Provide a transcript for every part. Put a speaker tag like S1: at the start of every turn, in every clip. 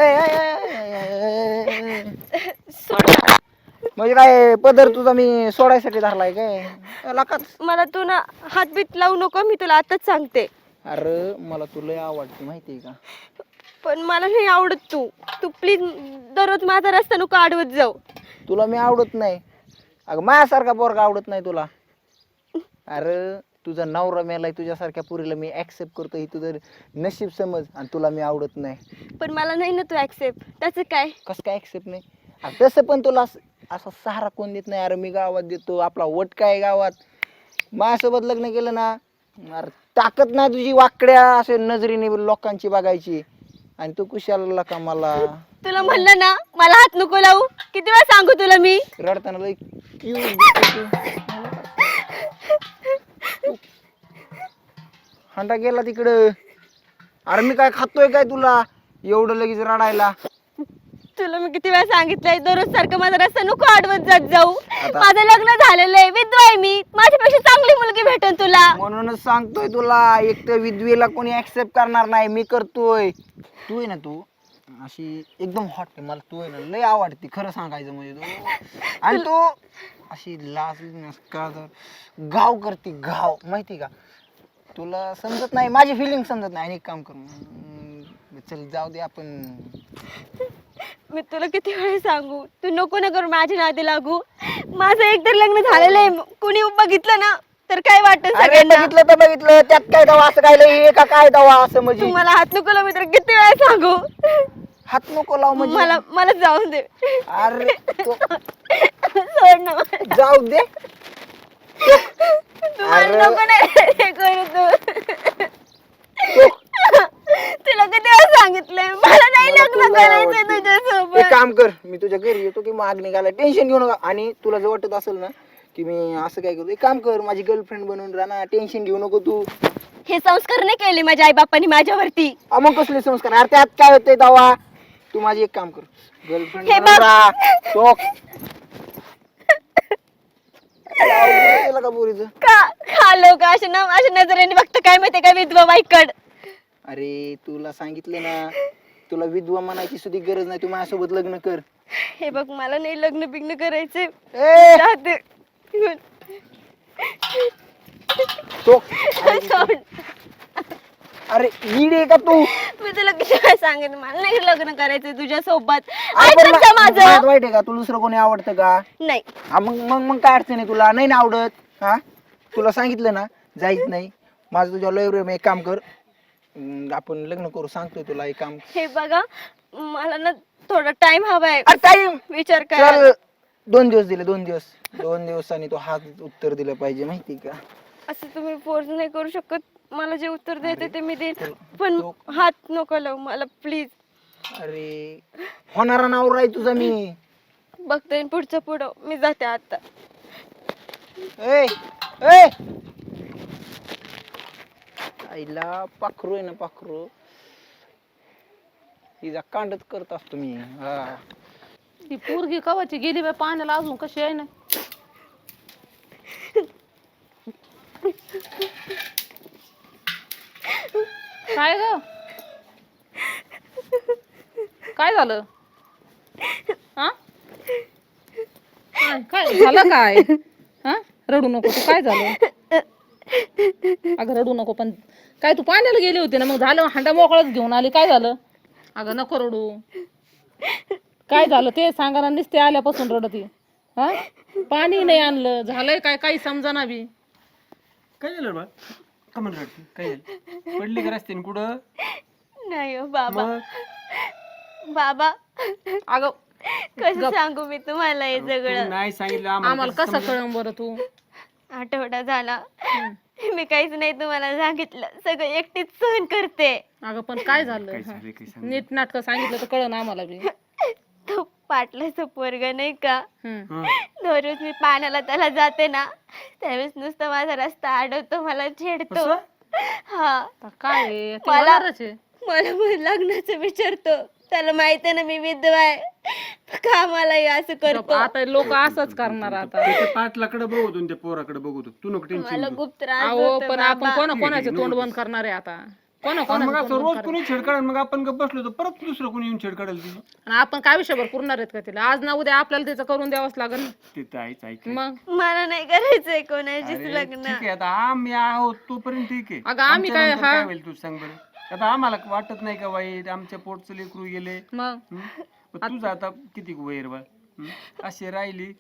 S1: सोड.
S2: म्हणजे काय पदर तुझा मी सोडायसाठी धरलाय काय लकाच.
S1: मला तू ना हातबीत लावू नको, मी तुला आताच सांगते.
S2: अरे मला तुला आवडते माहितीये का.
S1: पण मला नाही आवडत तू तू प्लीज दररोज माझा रस्ता नको अडवत जाऊ.
S2: तुला मी आवडत नाही. अगं माझ्यासारखा पोरगा आवडत नाही तुला. अरे तुझा नवरा मेलाय, तुझ्यासारख्या पुरीला मी ऍक्सेप्ट करतो, ही तुझं नशीब समज, आणि तुला मी आवडत नाही.
S1: पण मला नाही ना तू ऍक्सेप्ट, त्याचं काय?
S2: कसं काय ऍक्सेप्ट नाही? अरे तसं पण तुला असा सहारा कोण देत नाही. अरे मी गावात देतो, आपला वट काय गावात. माझ्यासोबत लग्न केलं ना, अरे ताकद ना तुझी वाकड्या असे नजरेने लोकांची बघायची, आणि तू कुशाला का मला.
S1: तुला म्हणलं ना मला हात नको लावू, किती वेळा सांगू तुला मी.
S2: रडताना लई cute दिसते तू. हंडा गेला तिकडं. अरे मी काय खातोय काय तुला एवढं लगेच रडायला.
S1: तुला मी किती वेळा सांगितलंय दररोज सारखं माझा रस्ता नको अडवत जात जाऊ.
S2: आता-
S1: माझं लग्न झालेलं आहे, विधवा आहे मी, माझ्यापेक्षा चांगली मुलगी भेटेल तुला.
S2: म्हणूनच सांगतोय तुला, एक तर विधवेला कोणी ऍक्सेप्ट करणार नाही, मी करतोय. तू आहे ना, तू अशी एकदम हॉट आहे, मला तू आहे ना लय आवडते खरं सांगायचं म्हणजे. तू आणि तू अशी लाज का गाव करते गाव, माहिती का. तुला समजत नाही माझी फिलिंग समजत नाही. आणि एक काम कर, चल जाऊ दे आपण.
S1: मी तुला किती वेळा सांगू, तू नको ना करू माझ्या नादी लागू. माझं एकतर लग्न झालेलं आहे, कुणी बघितलं ना तर काय वाटत
S2: अरे
S1: सगळ्यांना.
S2: बघितलं तर बघितलं, त्यात काय दवा असं काय लय का काय दवा असं
S1: तू
S2: म्हणजे.
S1: मला हात नको लावू, मी तर किती वेळा सांगू.
S2: हात नको लाव म्हणजे.
S1: मला मला जाऊन दे.
S2: अरे
S1: सोड ना मला.
S2: जाऊ दे.
S1: तू मला नको ना हे करू तू. तुला किती वेळा सांगितलंय मला नाही लग्न करायचंय
S2: एक
S1: तुझ्यासोबत.
S2: काम कर, मी तुझ्या घरी येतो की मागणी घाला, टेन्शन घेऊ नका. आणि तुला जर वाटत असेल ना की मी असं काय करतो, एक काम कर, माझी गर्लफ्रेंड बनवून राहा ना, टेन्शन घेऊ नको तू.
S1: हे संस्कार नाही केले माझ्या आई बापांनी माझ्यावरती.
S2: मग कसले संस्कार. अरे त्यात काय होतंय दवा. तू माझी एक काम कर, गर्लफ्रेंड
S1: हे
S2: बनवून
S1: बघ.
S2: राहा. शोक. केलं का पोरीचं.
S1: का खालो का अशा नजरेने बघतं काय माहितीये का विधवा बाईकड.
S2: अरे तुला सांगितलं ना, तुला विधवा म्हणायची सुद्धा गरज नाही, तू माझ्यासोबत लग्न कर.
S1: हे बघ मला नाही लग्न बिग्न करायचे.
S2: ए
S1: राहते.
S2: शोक.
S1: सोड.
S2: अरे ईड आहे का तू.
S1: मी तुला किती वेळा सांगितलं मला नाही लग्न करायचंय तुझ्या सोबत.
S2: अरे पण
S1: ऐकत जा
S2: माझं
S1: माझं.
S2: वाईट आहे का, तुला दुसरं कोणी आवडतं का.
S1: नाही
S2: मग मग मग काय अडचण आहे, तुला नाही ना आवडत. हा तुला सांगितलं ना जायच नाही. माझं तुझ्या लय प्रेम आहे. एक काम कर, आपण लग्न करू, सांगतोय तुला एक काम.
S1: हे बघा मला ना थोडा टाइम हवाय
S2: टाइम
S1: विचार करा.
S2: चल 2 दिवस दिले, 2 दिवस. 2 दिवसांनी तो हा उत्तर दिलं पाहिजे माहिती का.
S1: असं तुम्ही फोर्स नाही करू शकत. मला जे उत्तर द्यायचं ते मी देईन,
S2: तर-
S1: पण
S2: तो-
S1: हात नको लावू मला प्लीज.
S2: अरे होणारा नवरा आहे तुझा मी.
S1: बघता येईन पुढचं पुढं. मी जाते आता.
S2: ए ए आईला पाखरू आहे ना, पाखरू हिचा कांडच करत असतो मी. हा
S3: ती पोरगी कवाची गेली बाई पाण्याला, अजून कशी आहे ना. काय ग काय झालं. हा काय झालं काय. हा रडू नको तू, काय झालं. अगं रडू नको, पण काय तू पाण्याला गेली होती ना, मग झालं हांडा मोकळाच घेऊन आली, काय झालं. अगं नको रडू, काय झालं ते सांगा ना. नुसते आल्यापासून रडती. हा पाणी नाही आणलं, झालंय काय काही समजाना बी.
S4: काय झालं बा. का म्हणून रडती, काय झालं. पडली का रस्त्याने कुठं.
S1: नाही हो बाबा.
S4: मग
S1: बाबा
S3: अगं
S1: कसं सांगू मी तुम्हाला हे
S4: तू
S1: सगळं.
S4: नाही सांगितलं
S3: आम्हाला कसं कळण बरं तू.
S1: आठवडा झाला मी काहीच नाही तुम्हाला सांगितलं, सगळं एकटीच सहन करते.
S3: अगं पण काय झालं.
S4: काय झालं, काय सांग.
S3: नीट नाटक सांगितलं तर कळण आम्हाला बी.
S1: तो पाटलाचं पोरग नाही का,
S3: हम्म.
S1: दररोज मी पाण्याला त्याला जाते ना, त्यावेळेस नुसतं माझा रस्ता अडवतो, मला छेडतो.
S4: असं?
S1: हा
S3: आता काय आहे, ते
S1: मला
S3: होणारच आहे.
S1: मला मग लग्नाचं विचारतो. त्याला माहित आहे ना मी विधवा आहे, का मला हे असं करतो.
S3: आता लोक असंच करणार आता.
S4: त्याच्या पाटलाकडे बघतो आणि त्या पोराकडे बघतो. तू नको
S1: मला
S4: टेन्शन.
S1: खूप त्रास
S3: अहो
S1: होतो
S3: पण
S1: बाबा.
S3: आपण कोणाचं तोंड बंद करणार आहे आता. कोणा
S4: मग असं रोज कुणी छेड काढेल, मग आपण गप्प बसलो तर परत दुसरं कोणी येऊन छेड काढेल तिची.
S3: आणि आपण काय विषयभर पुरणार आहेत का तिला? आज ना उद्या आपल्याला तिचं करून द्यावंच लागेल ना.
S4: ते तर आहेच, ऐक.
S3: मग
S1: मला नाही करायचंय कोणाशीच
S4: अरे,
S1: लग्न.
S4: ठीक आहे, आता आम्ही आहोत तोपर्यंत ठीक आहे.
S3: अगं आम्ही
S4: आमच्या
S3: काय
S4: नंतर काय होईल तू सांग बरं. आता आम्हाला वाटत नाही का वाईट, आमच्या पोटचं लेकरू गेले.
S3: मग
S4: पण तुझं आता किती वैर बा अशी राहिली.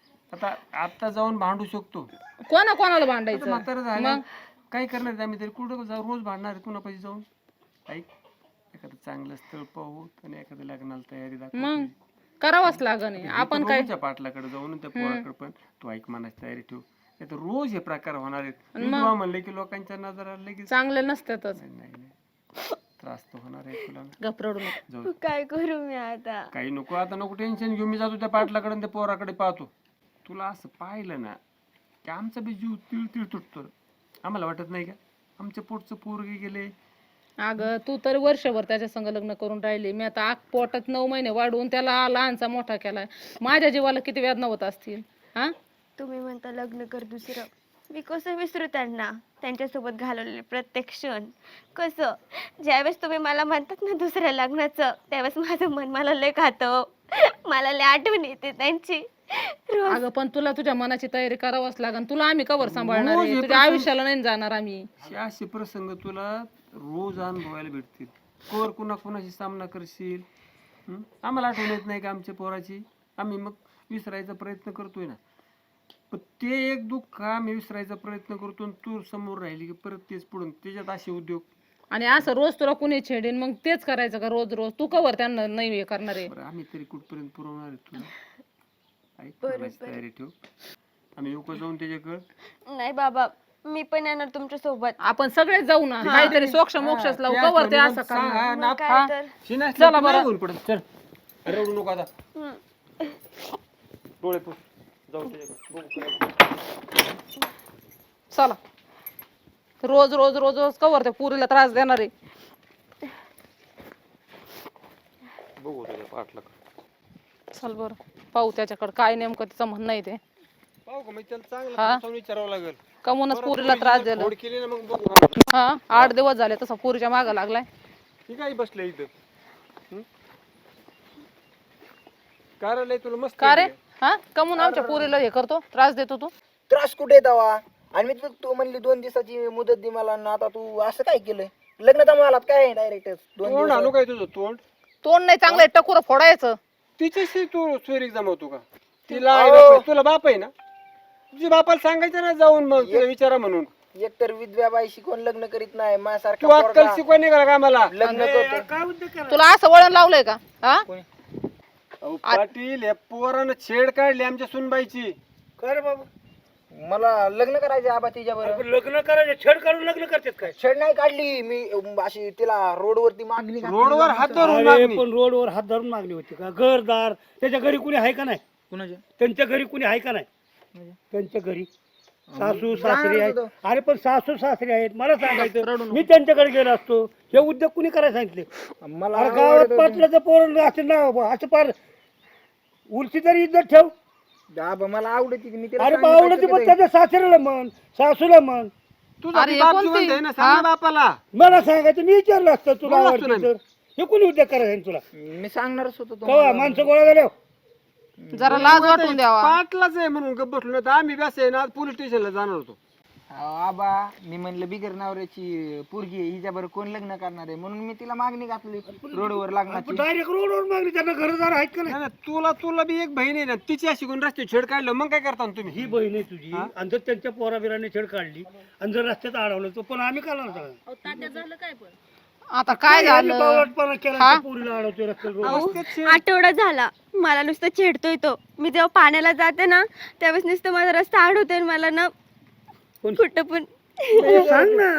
S4: आता जाऊन भांडू शकतो.
S3: कोणाला भांडायचं?
S4: म्हातारं झालं काय करणार आहे आम्ही तरी, कुठं जाऊ रोज भांडणार आहे कुणापाशी जाऊन. ऐक, एखादं चांगलं स्थळ पाहू आणि एखाद्या लग्नाला तयारी दाखव.
S3: मग करावंच लागण. आपण काय
S4: पाटलाकडे जाऊन त्या पोराकडे पण तू ऐक मनाची तयारी ठेव. नाही तर रोज हे प्रकार होणार आहेत. विधवा म्हणले की लोकांच्या नजरा लगेच
S3: चांगले नसतातच.
S4: नाही त्रास तर होणार आहे तुला.
S3: घबरडू नको.
S4: जाऊ
S1: काय करू मी आता?
S4: काही नको, आता नको टेन्शन घेऊ. मी जातो त्या पाटलाकडे आणि त्या पोराकडे पाहतो. तुला असं पाहिलं ना की आमचा बी जीव तिळ तुटतो. आम्हाला वाटत नाही का आमच्या पोटचं पोरगे गेले.
S3: अगं तू तर वर्षभर त्याच्या संग लग्न करून राहिली. मी आता पोटात 9 महिने वाढवून त्याला लहानचा मोठा केलाय. माझ्या जीवाला किती वेदना होत असतील. हा,
S1: तुम्ही म्हणता लग्न कर दुसरं, मी कसं विसरू त्यांना, त्यांच्यासोबत घालवलेले प्रत्येक क्षण. कसं ज्यावेळेस तुम्ही मला म्हणतात ना दुसऱ्या लग्नाचं, त्यावेळेस माझं मन मला लय खातं. मला लय आठवण येते त्यांची.
S3: अगं पण तुला तुझ्या मनाची तयारी करावंच लागेल. तुला आम्ही कवर सांभाळणार आहे? तुझ्या आयुष्याला नाही जाणार आम्ही.
S4: असे प्रसंग तुला रोज अनुभवायला भेटतील. कोर कुणाशी सामना करशील. आम्हाला आठवण येत नाही का आमच्या पोराची? आम्ही मग विसरायचा प्रयत्न करतोय ना. पण ते एक दुःख आम्ही विसरायचा प्रयत्न करतो आणि तू समोर राहिली की परत तेच पुढून त्याच्यात असे उद्योग. आणि
S3: असं रोज तुला कुणी छेडेन मग तेच करायचं का रोज रोज? तू कवर त्यांना नाही हे करणार आहे?
S4: आम्ही तरी कुठपर्यंत पुरवणार आहे तुला? ऐक, मनाची तयारी ठेव. आम्ही येऊ का जाऊन त्याच्याकडे?
S1: नाही बाबा, मी पण येणार तुमच्या सोबत.
S3: आपण सगळेच जाऊ ना. काहीतरी सोक्ष मोक्षच लावू. कवर ते असं करणार.
S1: मग काय तर.
S4: चला बरं. चल, रडू नको आता. डोळे पुस, जाऊ त्याच्याकडे.
S3: चला. रोज रोज रोज रोज कवर त्या पुरीला त्रास देणार आहे.
S4: बघू त्याच्या पाठला.
S3: चल बरं पाहू त्याच्याकडे काय नेमकं तिचं म्हणणं आहे ते.
S4: पाहू का, मग त्याला चांगलं विचारावं लागेल.
S3: कमूनच पुरीला त्रास दिला.
S4: फोड केली ना मग बघू.
S3: हा 8 दिवस झाले तसा पुरीच्या मागं लागलाय.
S4: ठीक आहे, बसले इथं. कार्यालय तुला मस्त
S3: का रे? हा कमून आमच्या पुरीला हे करतो, त्रास देतो तू?
S2: त्रास कुठे दवा? आणि मी तू म्हणली 2 दिवसाची मुदत दे मला, आणि आता तू असं काय केलंय? लग्न तर मला काय डायरेक्ट 2
S4: तोंड
S2: दिवस.
S4: आणू काय तुझं तोंड?
S3: तोंड नाही चांगलं टकुर फोडायचं.
S4: तिच्याशी तू सोयरीक जमवतो का? तिला आई बाप आहे, तुला बाप आहे ना? तुझ्या बापाला सांगायचं ना जाऊन मग तिला विचारा म्हणून.
S2: एकतर विधव्या बाईशी कोण लग्न करीत नाही,
S4: तू
S2: माझ्यासारखा
S4: अक्कल
S2: पोरगा
S4: शिकवाय नाही का आम्हाला?
S2: लग्न करतो.
S3: तुला असं वळण लावलंय का? हा
S4: अहो, पाटील या पोरानं छेड काढली आमच्या सुनबाईची.
S2: कर बाबा, मला लग्न करायचे आबा तिच्या बरोबर.
S5: लग्न करायचं छेड काढून लग्न करतात काय?
S2: छेड नाही काढली मी, अशी तिला रोडवरती मागणी घातली.
S4: रोडवर हात धरून
S5: अरे
S4: मागणी.
S5: पण रोडवर हात धरून मागणी होती का? घरदार त्याच्या घरी कुणी आहे का नाही?
S2: कुणाच्या?
S5: त्यांच्या घरी कुणी आहे का नाही? त्यांच्या घरी सासू सासरे आहेत. अरे पण सासू सासरे आहेत, मला सांगायचं मी त्यांच्याकडे गेलो असतो. हे उद्योग कुणी करायला सांगितले?
S2: मला
S5: अरे गावात पाटलाचं पोरण असं नाव असं पार उलटी तरी इज्जत ठेव.
S2: आबा मला आवडती की मी तिला
S5: अरे
S2: सांगितलं
S5: आवडते
S2: की
S5: पण त्याच्या सासऱ्याला म्हण, सासूला म्हण.
S4: तुझा
S3: अरे
S4: बी बाप
S3: कोणती?
S4: जिवंत आहे ना, सांग ना बापाला.
S5: मला सांगायचं मी विचारलं असतं तुला
S4: बोललो असतो
S5: आवडते
S4: ना
S5: तर. हे कुणी उद्योग करायचं तुला?
S2: मी सांगणारच होतो
S5: कवा
S2: तुम्हाला.
S5: माणसं गोळा झाल्या
S3: जरा लाज वाटून द्यावा.
S4: पाटलाच आहे म्हणून गप्प बसलो नाही तर आम्ही बस आहे ना पोलीस स्टेशनला जाणार होतो.
S2: आबा मी म्हणलं बिगर नवऱ्याची पोरगी आहे, हिच्या बरोबर कोण लग्न करणार आहे म्हणून मी तिला मागणी घातली रोडवर लग्नाची.
S5: डायरेक्ट रोडवर मागणी. त्यांना घरदार आहेत का नाही?
S4: नाही, नाही, तुला बी एक बहीण आहे ना, तिची अशी कोण रस्ते छेड काढलं मग काय करता ना तुम्ही?
S5: ही बहीण आहे तुझी आणि जर त्यांच्या पोराबिराने छेड काढली आणि जर रस्त्यात अडवलं तर पण आम्ही काय सगळं
S3: आता काय झालं?
S5: बावळटपणा केला पोरीला अडवतोय रस्त्यावर रोड.
S1: आठवडा झाला मला नुसतं छेडतोय तो. मी जेव्हा पाण्याला जाते ना त्यावेळेस नुसतं माझा रस्ता आडवतोय आणि मला ना कुठं पण.
S5: सांग ना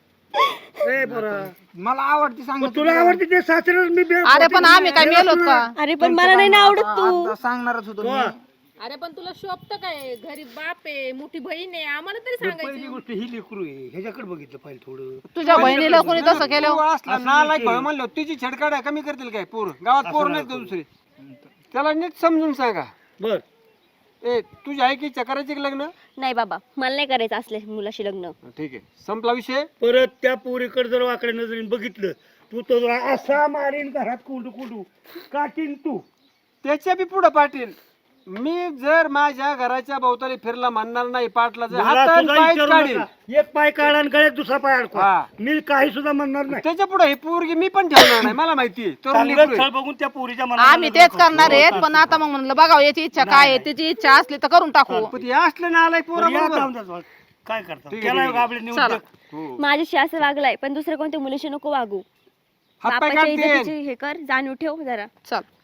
S5: ए पोरा,
S2: मला आवडती सांग
S5: मग तुला आवडते ते सासऱ्याला मी
S3: अरे पण आम्ही काय मेलोत का?
S1: अरे पण मला नाही ना आवडत तू.
S2: आता सांगणारच होतो मी.
S6: अरे पण तुला शोभत काय? घरी बाप आहे, मोठी बहीण आहे, आम्हाला तरी सांगायचं.
S5: पहिली गोष्ट ही लेकरू आहे, ह्याच्याकडे बघितलं पाहिजे थोडं.
S3: तुझ्या बहिणीला कोणी तसं केलं?
S4: तू असला नालायक भाऊ म्हणलं तिची छेड काढाय कमी करतील काय? पोर गावात पोर नाहीत का दुसरे? त्याला नीट समजून सांगा.
S5: बर
S4: ए तुझी आहे की इच्छा करायची की लग्न?
S1: नाही बाबा, मला नाही करायचं असल्या मुलाशी लग्न.
S4: ठीक आहे, संपला विषय.
S5: परत त्या पोरीकडे जर वाकड्या नजरेने बघितलं तू तो असा मारीन घरात कुंडू कुंडू काटीन तू.
S4: त्याच्या बी पुढे पाटील, मी जर माझ्या घराच्या भोवताली फिरला म्हणणार नाही पाटला जर
S5: मला
S4: हात
S5: सुद्धा
S4: पाय
S5: विचारू
S4: काढील.
S5: नका. एक पाय काढा आणि गळ्यात दुसरा पाय अडकवा.
S4: हा.
S5: मी काही सुद्धा म्हणणार नाही.
S4: त्याच्या पुढे ही पोरगी मी पण ठेवणार नाही, मला माहितीये तरुण
S5: चांगलं
S4: लेकरू
S5: स्थळ
S4: आहे.
S5: बघून त्या पोरीच्या मनाला
S3: आम्ही
S5: लग्न
S3: तेच
S5: करतो.
S3: करणार आहेत, पण आता मग म्हणलं बघावं याची इच्छा काय आहे, त्याची इच्छा असली तर करून टाकू.
S4: पण हे असलं ना आलाय पोरा
S5: बरं, या
S4: बरोबर.
S5: जाऊन द्या जाऊन. काय करता
S4: ठीक आहे,
S5: केलाय
S4: ठीक आहे.
S5: गाबडे निवड
S3: चला.
S4: हो.
S1: माझ्याशी असं वागलाय, पण दुसऱ्या कोणत्या मुलीशी नको वागू.
S4: हात पाय
S1: बापाच्या
S4: काढते.
S1: इज्जतीची हे कर, जाणीव ठेव जरा.
S3: चल